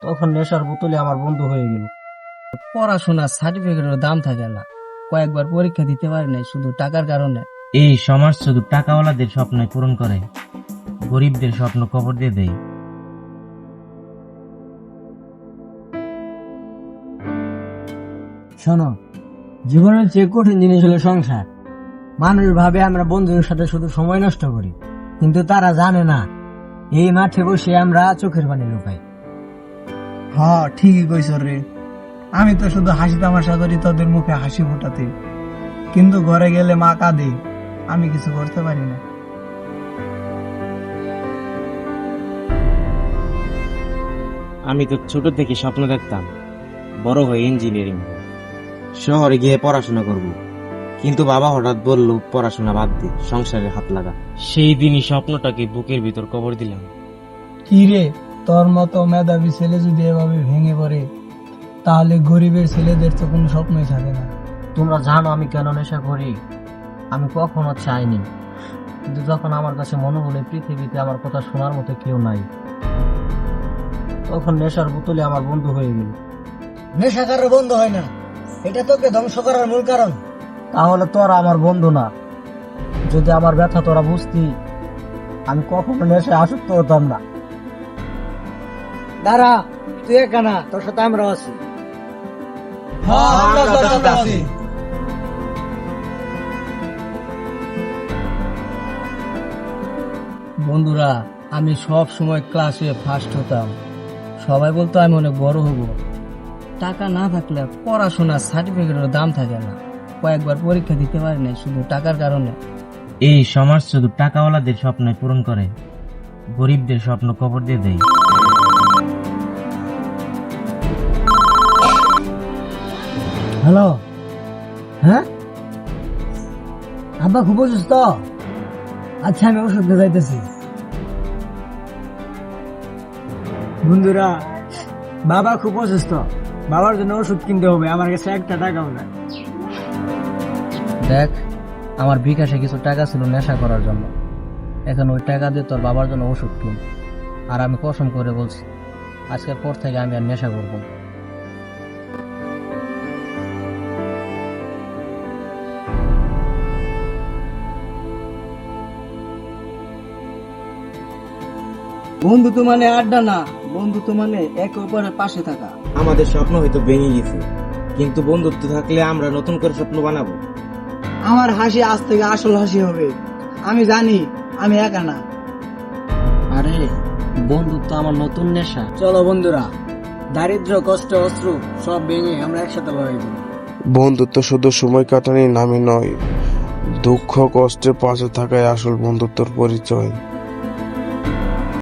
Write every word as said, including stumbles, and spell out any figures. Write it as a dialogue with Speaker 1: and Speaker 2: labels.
Speaker 1: তখন নেশার বোতলে আমার বন্ধু হয়ে গেল। পড়াশোনার সার্টিফিকেটের দাম থাকে না, কয়েকবার পরীক্ষা দিতে পারি নাই শুধু টাকার কারণে।
Speaker 2: এই সমাজ শুধু টাকাওয়ালাদের স্বপ্ন পূরণ করে, গরিবদের স্বপ্ন কবর দিয়ে দেয়।
Speaker 1: শোনো, জীবনের চেয়ে কঠিন জিনিস হলো সংসার। মানুষ ভাবে আমরা বন্ধুদের সাথে শুধু সময় নষ্ট করি, কিন্তু তারা জানে না এই মাঠে বসে আমরা চোখের পানি লুকাই।
Speaker 3: হ্যাঁ, ঠিকই কইছ রে। আমি তো শুধু হাসি তামাশা করি তোদের মুখে হাসি ফোটাতে, কিন্তু ঘরে গেলে মা কাঁদে, আমি কিছু করতে পারি না।
Speaker 2: আমি তো ছোট থেকে স্বপ্ন দেখতাম বড় হয়ে ইঞ্জিনিয়ারিং শহরে গিয়ে পড়াশোনা করব, কিন্তু বাবা হঠাৎ বলল পড়াশোনা বাদ দে, সংসারে হাত লাগা। সেই দিনই স্বপ্নটাকে বুকের ভিতর কবর দিলাম।
Speaker 3: কি রে, তোর মতো মেধাবী ছেলে যদি এভাবে ভেঙে পড়ে, তাহলে গরিবের ছেলেদের তো কোনো স্বপ্নই থাকে না।
Speaker 1: তোমরা জানো আমি কেন নেশা করি? আমি কখনো চাইনি, কিন্তু যখন আমার কাছে মনে হলো পৃথিবীতে আমার কথা শোনার মতো কেউ নাই, তখন নেশার বোতলে আমার বন্ধু হয়ে গেল। নেশা কারোর বন্ধু হয় না, এটা তোকে ধ্বংস করার মূল কারণ। তাহলে তোরা আমার বন্ধু না। যদি আমার ব্যথা তোরা বুঝতি, আমি কখনো নেশায় আসক্ত হতাম না। দাঁড়া, তুই একা না, তোর সাথে আমরা আছি। বন্ধুরা, আমি সব সময় ক্লাসে ফার্স্ট হতাম। সবাই বলতো আমি অনেক বড় হব। টাকা না থাকলে পড়াশোনার সার্টিফিকেটের দাম থাকে না, কয়েকবার পরীক্ষা দিতে পারি নাই শুধু টাকার কারণে।
Speaker 2: এই সমাজ শুধু টাকাওয়ালাদের স্বপ্ন পূরণ করে, গরিবদের স্বপ্ন কবর দিয়ে দেয়।
Speaker 1: হ্যালো, হ্যাঁ আব্বা খুব অসুস্থ? আচ্ছা, আমি ওষুধ নিয়ে যাইতেছি। বন্ধুরা, বাবা খুব অসুস্থ, বাবার জন্য ওষুধ কিনতে হবে, আমার কাছে একটা টাকাও নাই। দেখ, আমার বিকাশে কিছু টাকা ছিল নেশা করার জন্য, এখন ওই টাকা দিয়ে তোর বাবার জন্য ওষুধ কিন। আর আমি কসম করে বলছি, আজকের পর থেকে আমি আর নেশা করবো না। বন্ধুত্ব মানে আড্ডা না, বন্ধুত্ব মানে একে অপরের পাশে থাকা।
Speaker 2: আমাদের স্বপ্ন হয়তো ভেঙে গেছে, কিন্তু বন্ধুত্ব থাকলে আমরা নতুন করে স্বপ্ন বানাবো।
Speaker 3: আমার হাসি আজ থেকে আসল হাসি হবে। আমি জানি আমি একা না।
Speaker 1: আরে, বন্ধুত্ব আমার নতুন নেশা। চলো বন্ধুরা, দারিদ্র, কষ্ট, অশ্রু সব ভেঙে আমরা একসাথে লড়াই করি।
Speaker 4: বন্ধুত্ব শুধু সময় কাটানোর নামই নয়, দুঃখ কষ্টে পাশে থাকাই আসল বন্ধুত্বের পরিচয়।